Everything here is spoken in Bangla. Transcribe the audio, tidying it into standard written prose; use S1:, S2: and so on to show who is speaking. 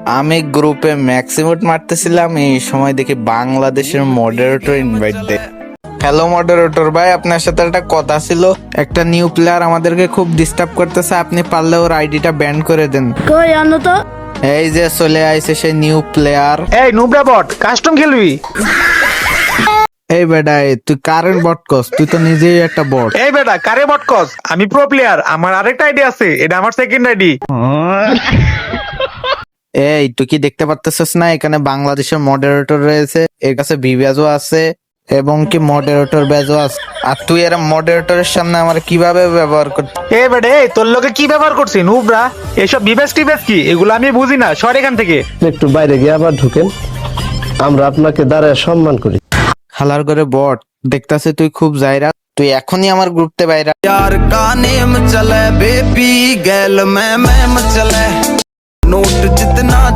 S1: আমি গ্রুপে ম্যাক্সিমুট মারতেছিলাম, এই সময় দেখি বাংলাদেশের মডারেটর ইনভাইট দেয়। হ্যালো মডারেটর ভাই, আপনার সাথে একটা কথা ছিল। একটা নিউ প্লেয়ার আমাদেরকে খুব ডিস্টার্ব করতেছে, আপনি পারলে ওর আইডিটা ব্যান করে দেন।
S2: কই আনো তো।
S1: এই যে চলে আইছে সেই নিউ প্লেয়ার।
S3: এই নুবরা বট কাস্টম খেলবি?
S1: এই বেটা, তুই কারেন্ট বট কস, তুই তো নিজেই একটা বট।
S3: এই বেটা কারে বট কস? আমি প্রো প্লেয়ার, আমার আরেকটা আইডি আছে, এটা আমার সেকেন্ড আইডি।
S1: এই তুই কি দেখতে পারতেছিস না, এখানে বাংলাদেশের মডারেটর রয়েছে, এর কাছে ভিভ্যাজও আছে এবং কি মডারেটর ব্যাজও আছে। আর তুই এর মডারেটরের সামনে আমার কিভাবে ব্যবহার কর?
S3: এই বেটা এই তোর লোকে কি ব্যবহার করছি নুবরা? এসব বিবেস টিবেস কি এগুলো আমি বুঝি না, সর এখান থেকে।
S4: একটু বাইরে গিয়ে আবার ঢুকেন, আমরা আপনাকে দাঁড়ায় সম্মান করি।
S1: হালার করে বট, দেখতাছে তুই খুব জায়রা, তুই এখনই আমার গ্রুপতে বাইরা।
S5: यार का नेम चले बेबी गैल में मैम चले नोट जितना